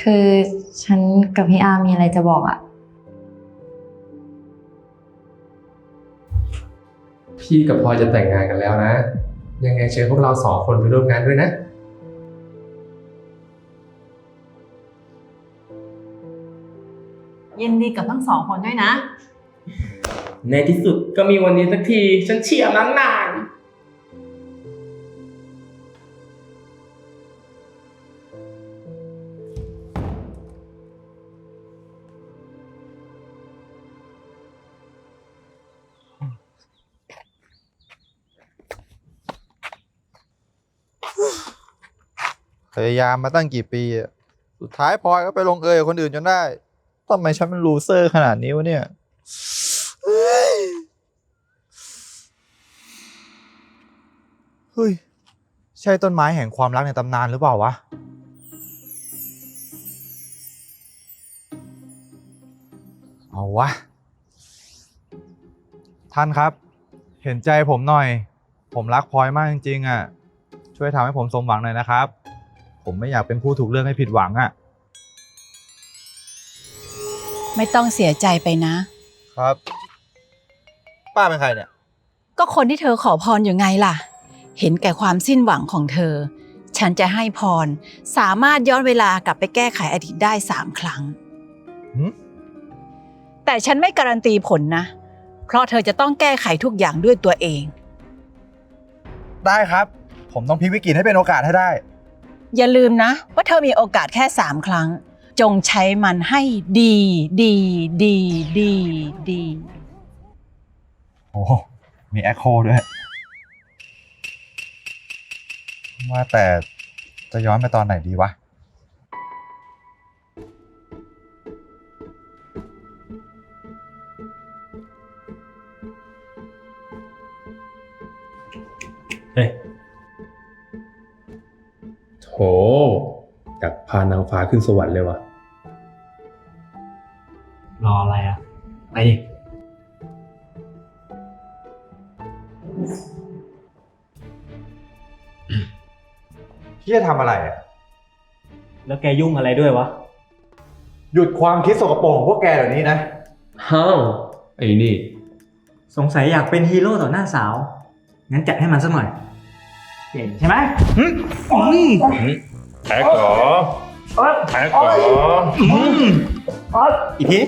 คือฉันกับพี่อาร์มีอะไรจะบอกอะพี่กับพลอยจะแต่งงานกันแล้วนะ ยังไงเชิญพวกเรา2 คนไปร่วมงานด้วยนะยินดีกับทั้ง2 คนด้วยนะในที่สุดก็มีวันนี้สักที ฉันเชียร์ตั้งนานพยายามมาตั้งกี่ปีอะสุดท้ายพลอยก็ไปลงเอยกับคนอื่นจนได้ทำไมฉันมันลูเซอร์ขนาดนี้วะเนี่ยเฮ้ยใช่ต้นไม้แห่งความรักในตำนานหรือเปล่าวะเอาวะท่านครับเห็นใจผมหน่อยผมรักพลอยมากจริงๆอ่ะช่วยทำให้ผมสมหวังหน่อยนะครับผมไม่อยากเป็นผู้ถูกเลือกให้ผิดหวังอ่ะไม่ต้องเสียใจไปนะครับป้าเป็นใครเนี่ยก็คนที่เธอขอพรอยู่ไงล่ะ เห็นแก่ความสิ้นหวังของเธอ ฉันจะให้พรสามารถย้อนเวลากลับไปแก้ไขอดีตได้3 ครั้ง แต่ฉันไม่การันตีผลนะ เพราะเธอจะต้องแก้ไขทุกอย่างด้วยตัวเองได้ครับผมต้องพลิกวิกฤตให้เป็นโอกาสให้ได้อย่าลืมนะว่าเธอมีโอกาสแค่3 ครั้ง จงใช้มันให้ดีดีดีดีดีโอ้มีแอคโคด้วยว่าแต่จะย้อนไปตอนไหนดีวะเฮ้ยโถอยากพานางฟ้าขึ้นสวรรค์เลยวะรออะไรอ่ะ ไปดิพี่จะทำอะไรอ่ะแล้วแกยุ่งอะไรด้วยวะหยุดความคิดสกปรกของพวกแกเดี๋ยวนี้นะฮ้าวไอ้นี่สงสัยอยากเป็นฮีโร่ต่อหน้าสาว งั้นจัดให้มันสักหน่อยเก่งใช่ไหมแท็กเหรอแท็กเหรออีกที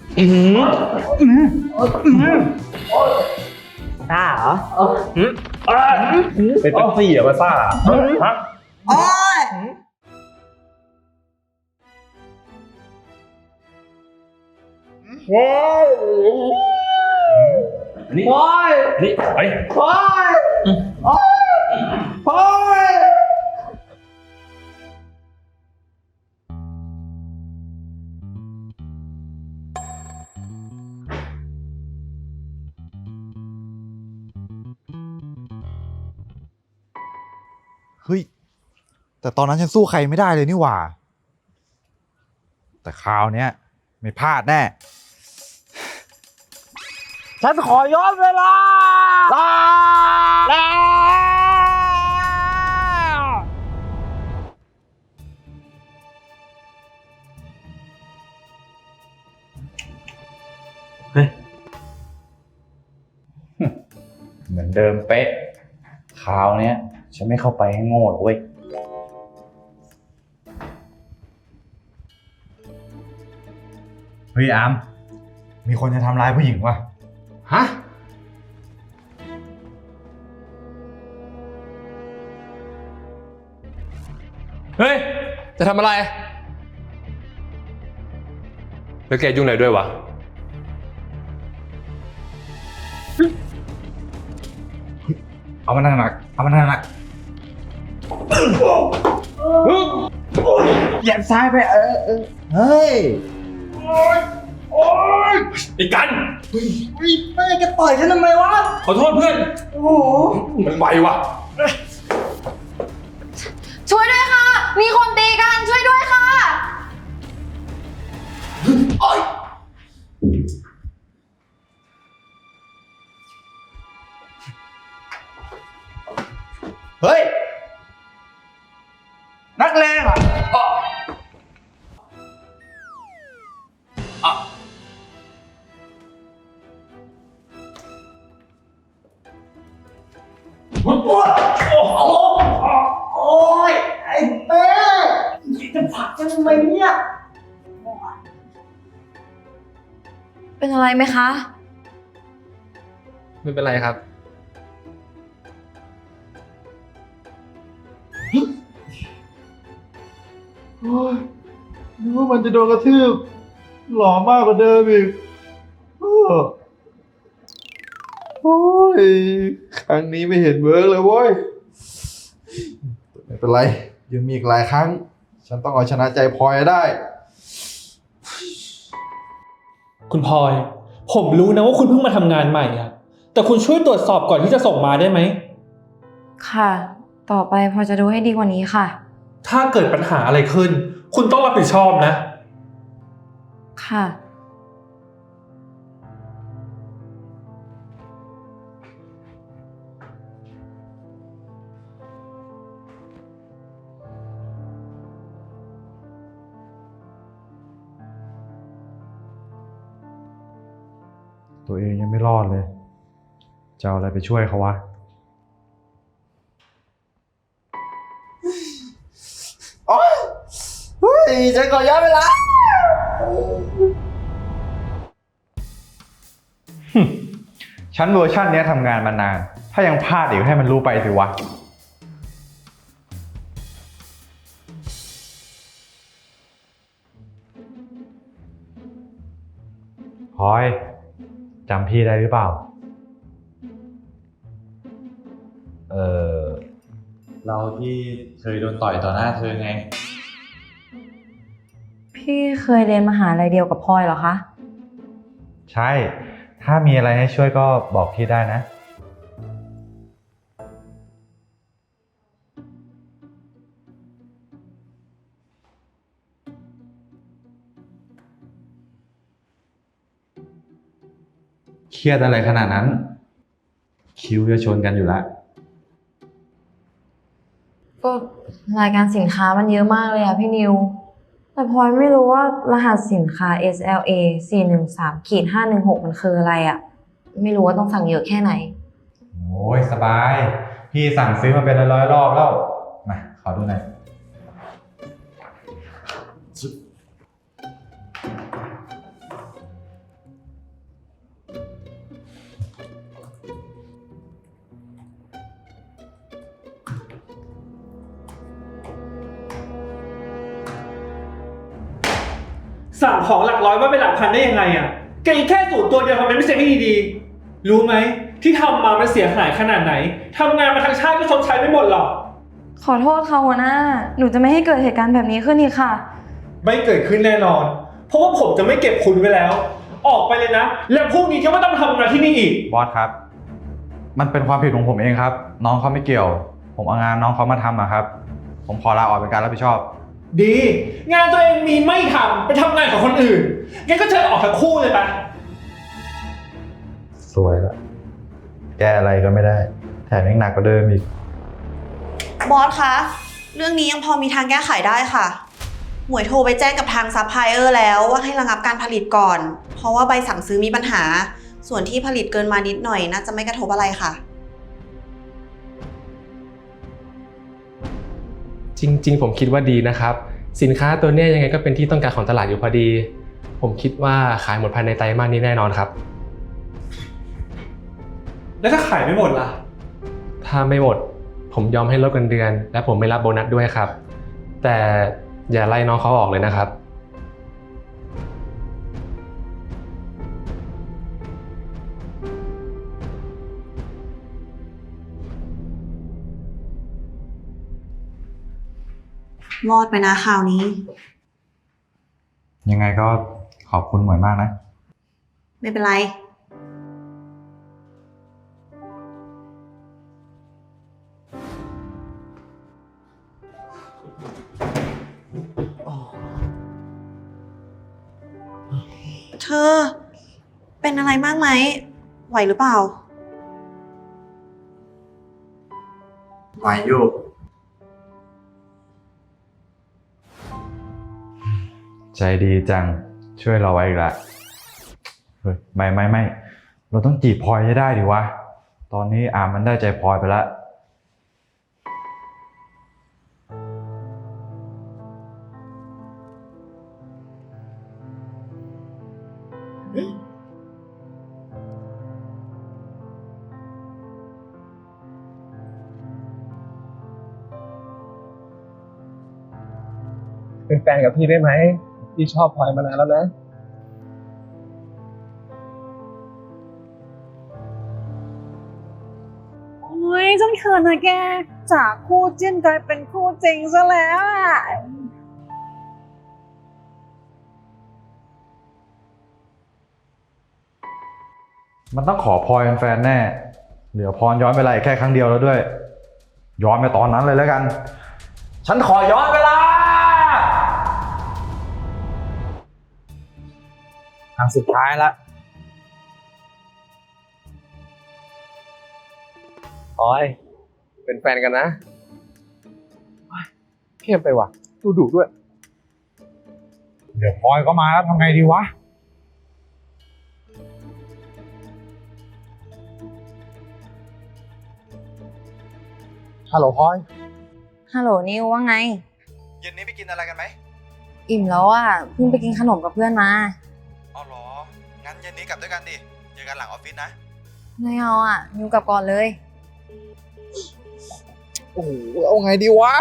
ซ่าเหรอเป็นตั้งสี่อะมาซ่าฮะว้าวนี่พอยนี่ไปพอยพอยเฮ้ยแต่ตอนนั้นฉันสู้ใครไม่ได้เลยนี่หว่าแต่คราวเนี้ยไม่พลาดแน่ฉันขอย้อนเวลาลาเฮ้ยเหมือนเดิมเป๊ะคราวเนี้ยฉันไม่เข้าไปให้โง่หรอกเว้ยเฮ้ยอามมีคนจะทำร้ายผู้หญิงวะฮะ เฮ้ย จะทำอะไร แล้วแกยุ่งอะไรด้วยวะเอามันหนักเอามันหนักเหยียบซ้ายไปเฮ้ยไอ้กันแม่จะปล่อยฉันทำไมวะขอโทษเพื่อนโอ้โหมันไวว่ะช่วยด้วยค่ะ มีคนตีกันช่วยด้วยค่ะเฮ้ย นักเลงอ่ะโอ้ยไอ้เป้จะผลักฉันทำไมเนี่ยเป็นอะไรไหมคะไม่เป็นไรครับโอ้ยนึกว่ามันจะโดนกระทืบหล่อมากกว่าเดิมอีกโอ้ยครั้งนี้ไม่เห็นเวิร์กเลยเว้ยไม่เป็นไรยังมีอีกหลายครั้ง ฉันต้องเอาชนะใจพลอยให้ได้คุณพลอย ผมรู้นะว่าคุณเพิ่งมาทำงานใหม่อะแต่คุณช่วยตรวจสอบก่อนที่จะส่งมาได้ไหมค่ะ ต่อไปพอจะดูให้ดีกว่านี้ค่ะถ้าเกิดปัญหาอะไรขึ้น คุณต้องรับผิดชอบนะค่ะตัวเองยังไม่รอดเลย จะเอาอะไรไปช่วยเขาวะ โอ๊ยเฮ้ยฉันขอย้อนเวลา ฉันเวอร์ชันนี้ทำงานมานาน ถ้ายังพลาดอีกให้มันรู้ไปสิวะ พลอยจำพี่ได้หรือเปล่าเราที่เคยโดนต่อยต่อหน้าเธอไงพี่เคยเรียนมหาลัยเดียวกับพลอยเหรอคะใช่ ถ้ามีอะไรให้ช่วยก็บอกพี่ได้นะ เครียดอะไรขนาดนั้น คิ้วจะชนกันอยู่แล้วก็รายการสินค้ามันเยอะมากเลยอะพี่นิว แต่พลอยไม่รู้ว่ารหัสสินค้า SLA 413-516 มันคืออะไรอะไม่รู้ว่าต้องสั่งเยอะแค่ไหนโอ้ยสบาย พี่สั่งซื้อมาเป็นร้อยๆรอบแล้ว มาขอดูหน่อยสั่งของหลักร้อยว่าเป็นหลักพันได้ยังไงอะแกอีกแค่สูตรตัวเดียวทำไมไม่เซ็ตให้ดีๆรู้ไหมที่ทำมามันเสียหายขนาดไหนทำงานมาทั้งชาติก็ชดใช้ไม่หมดหรอกขอโทษค่ะหัวหน้า หนูจะไม่ให้เกิดเหตุการณ์แบบนี้ขึ้นอีกค่ะไม่เกิดขึ้นแน่นอน เพราะว่าผมจะไม่เก็บคุณไว้แล้ว ออกไปเลยนะ แล้วพรุ่งนี้ก็ไม่ต้องทำงานที่นี่อีกบอสครับ มันเป็นความผิดของผมเองครับ น้องเขาไม่เกี่ยว ผมเอางานน้องเขามาทำอะครับ ผมขอลาออกเป็นการรับผิดชอบดี งานตัวเองมีไม่ทำไปทำงานกับคนอื่นงั้นก็เชิญออกทั้งคู่เลยปะสวยละแก้อะไรก็ไม่ได้ แถมยังหนักกว่าเดิมอีกบอสคะ เรื่องนี้ยังพอมีทางแก้ไขได้ค่ะ หมวยโทรไปแจ้งกับทางซัพพลายเออร์แล้วว่าให้ระงับการผลิตก่อน เพราะว่าใบสั่งซื้อมีปัญหา ส่วนที่ผลิตเกินมานิดหน่อยน่าจะไม่กระทบอะไรค่ะจริงๆ ผมคิดว่าดีนะครับ สินค้าตัวเนี้ยยังไงก็เป็นที่ต้องการของตลาดอยู่พอดี ผมคิดว่าขายหมดภายในไตรมาสนี้แน่นอนครับแล้วถ้าขายไม่หมดล่ะถ้าไม่หมด ผมยอมให้ลดเงินเดือน และผมไม่รับโบนัสด้วยครับ แต่อย่าไล่น้องเขาออกเลยนะครับรอดไปนะคราวนี้ยังไงก็ขอบคุณหมวยมากนะไม่เป็นไร เธอ เป็นอะไรมากไหม ไหวหรือเปล่าไหวอยู่ ใจดีจัง ช่วยเราไว้อีกละเฮ้ยไม่ เราต้องจีบพลอยให้ได้ดิวะ ตอนนี้อามมันได้ใจพลอยไปแล้วเป็นแฟนกับพี่ได้ไหมพี่ชอบพลอยมานานแล้วนะโอ้ยฉันเขินนะแก จากคู่จิ้นกลายเป็นคู่จริงซะแล้วอะมันต้องขอพลอยเป็นแฟนแน่ เหลือพรย้อนเวลาอีกแค่ครั้งเดียวแล้วด้วย ย้อนไปตอนนั้นเลยแล้วกัน ฉันขอย้อนเวลาครั้งสุดท้ายละพลอย เป็นแฟนกันนะเข้มไปว่ะดูดุด้วยเดี๋ยวพลอยก็มาแล้วทำไงดีวะ ฮัลโหลพลอยฮัลโหลนิวว่าไงเย็นนี้ไปกินอะไรกันไหมอิ่มแล้วอ่ะเพิ่งไปกินขนมกับเพื่อนมาอ๋อเหรอ งั้นเย็นนี้กลับด้วยกันดิ เจอกันหลังออฟฟิศนะไม่เอาอ่ะนิวกลับก่อนเลยโอ้โห เอาไงดีวะ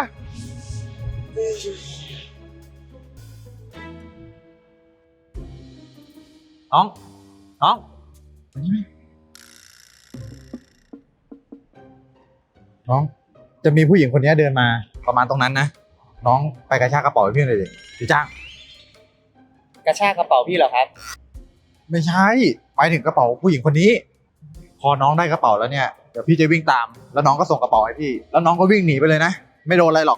น้อง น้องมานี่ไหมน้อง จะมีผู้หญิงคนนี้เดินมาประมาณตรงนั้นนะ น้องไปกระชากกระเป๋าให้พี่หน่อยดิพี่จ้างกระชากกระเป๋าพี่เหรอครับไม่ใช่หมายถึงกระเป๋าผู้หญิงคนนี้ พอน้องได้กระเป๋าแล้วเนี่ย เดี๋ยวพี่จะวิ่งตาม แล้วน้องก็ส่งกระเป๋าให้พี่ แล้วน้องก็วิ่งหนีไปเลยนะ ไม่โดนอะไรหรอก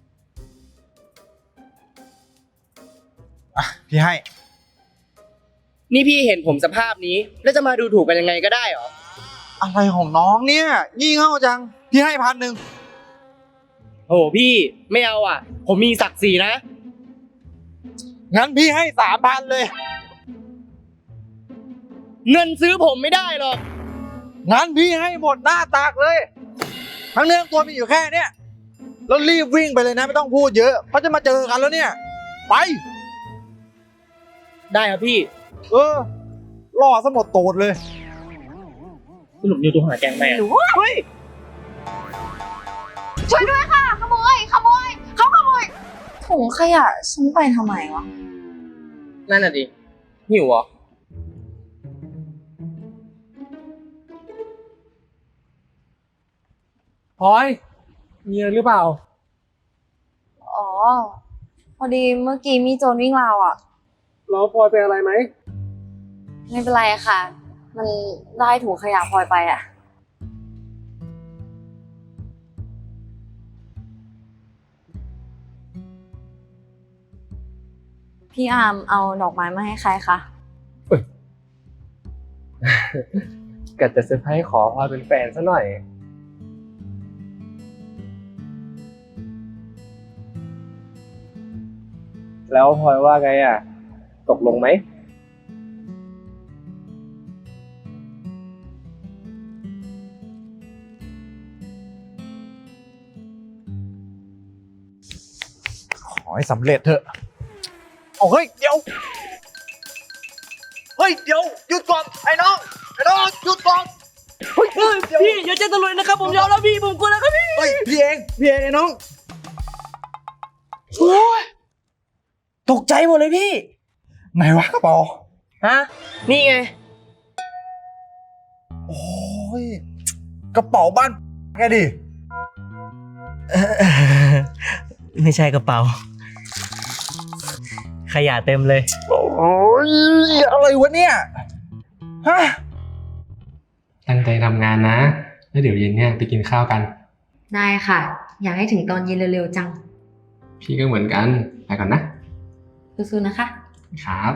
อ่ะ พี่ให้นี่พี่เห็นผมสภาพนี้ แล้วจะมาดูถูกกันยังไงก็ได้เหรออะไรของน้องเนี่ยงี่เง่าจัง พี่ให้1,000 โอ้โหพี่ไม่เอาอ่ะ ผมมีศักดิ์ศรีนะงั้นพี่ให้3,000เลยเงินซื้อผมไม่ได้หรอกงั้นพี่ให้หมดหน้าตากเลย ทั้งเนื้อตัวมีอยู่แค่เนี้ยแล้วรีบวิ่งไปเลยนะไม่ต้องพูดเยอะเพราะจะมาเจอกันแล้วเนี่ย ไปได้ครับพี่ล่อซะหมดโตดเลยสรุปนิวตัวหาแกงแม่เฮ้ยช่วยด้วยค่ะ ขโมยเขาขโมยถุงขยะฉันไปทำไมวะนั่นน่ะดิหิวเหรอพลอย มีอะไรหรือเปล่าอ๋อ พอดีเมื่อกี้มีโจรวิ่งราวอ่ะแล้วพลอยเป็นอะไรไหมไม่เป็นไรอะค่ะ มันได้ถุงขยะพลอยไปอ่ะ พี่อาร์มเอาดอกไม้มาให้ใครคะกัดจะเซอร์ไพรส์ขอพลอยเป็นแฟนซะหน่อย แล้วพลอยว่าไงอ่ะ ตกลงไหมขอให้สำเร็จเถอะเอาเฮ้ยเดี๋ยว เฮ้ยเดี๋ยวหยุดก่อนไอ้น้องหยุดก่อนเฮ้ยเดี๋ยวพี่อย่าเจ๊ตะลุยนะครับ ผมยอมแล้วพี่ผมกลัวแล้วครับพี่เฮ้ยพี่เองไอ้น้องโอ้ยตกใจหมดเลยพี่ไหนวะกระเป๋าฮะ นี่ไงโอ้ยกระเป๋าบ้านแกดิไม่ใช่กระเป๋า ขยะเต็มเลยโอ้ยอะไรวะเนี่ยฮะตั้งใจทำงานนะ แล้วเดี๋ยวเย็นเนี่ยไปกินข้าวกันได้ค่ะ อยากให้ถึงตอนเย็นเร็วๆจังพี่ก็เหมือนกัน ไปก่อนนะสู้ๆนะคะครับ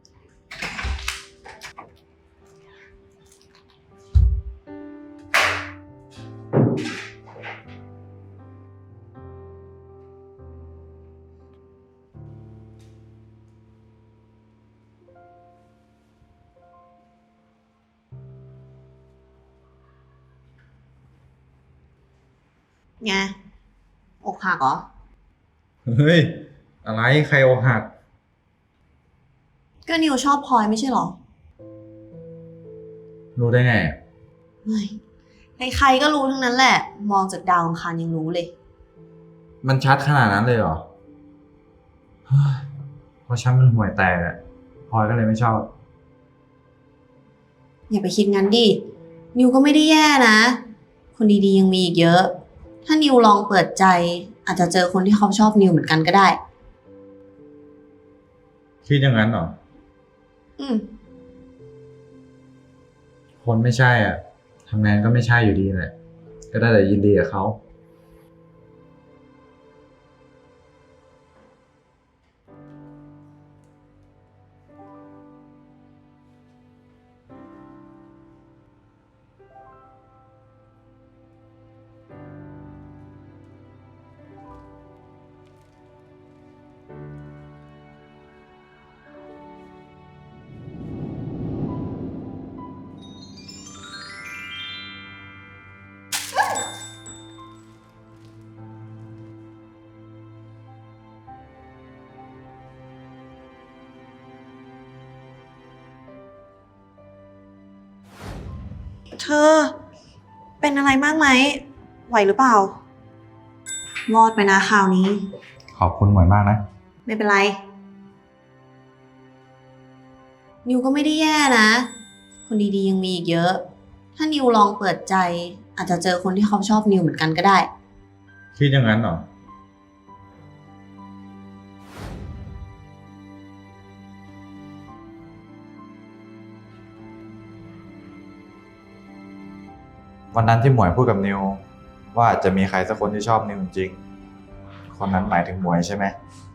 ไงอกหักเหรอเฮ้ยอะไรใครอกหักก็นิวชอบพลอยไม่ใช่เหรอรู้ได้ไงเฮ้ยใครๆก็รู้ทั้งนั้นแหละ มองจากดาวอังคารยังรู้เลยมันชัดขนาดนั้นเลยเหรอเพราะฉันมันห่วยแตกอะพลอยก็เลยไม่ชอบอย่าไปคิดงั้นดิ นิวก็ไม่ได้แย่นะ คนดีๆยังมีอีกเยอะ ถ้านิวลองเปิดใจ อาจจะเจอคนที่เขาชอบนิวเหมือนกันก็ได้คิดอย่างนั้นเหรออืมคนไม่ใช่อ่ะทำงานก็ไม่ใช่อยู่ดีแหละ ก็ได้แต่ยินดีกับเขาเธอ เป็นอะไรมากไหม ไหวหรือเปล่า รอดไปนะคราวนี้ขอบคุณหมวยมากนะไม่เป็นไร นิวก็ไม่ได้แย่นะ คนดีๆยังมีอีกเยอะ ถ้านิวลองเปิดใจ อาจจะเจอคนที่เขาชอบนิวเหมือนกันก็ได้คิดอย่างนั้นเหรอ วันนั้นที่หมวยพูดกับนิวว่าอาจจะมีใครสักคนที่ชอบนิวจริงๆคนนั้นหมายถึงหมวยใช่ไหมใ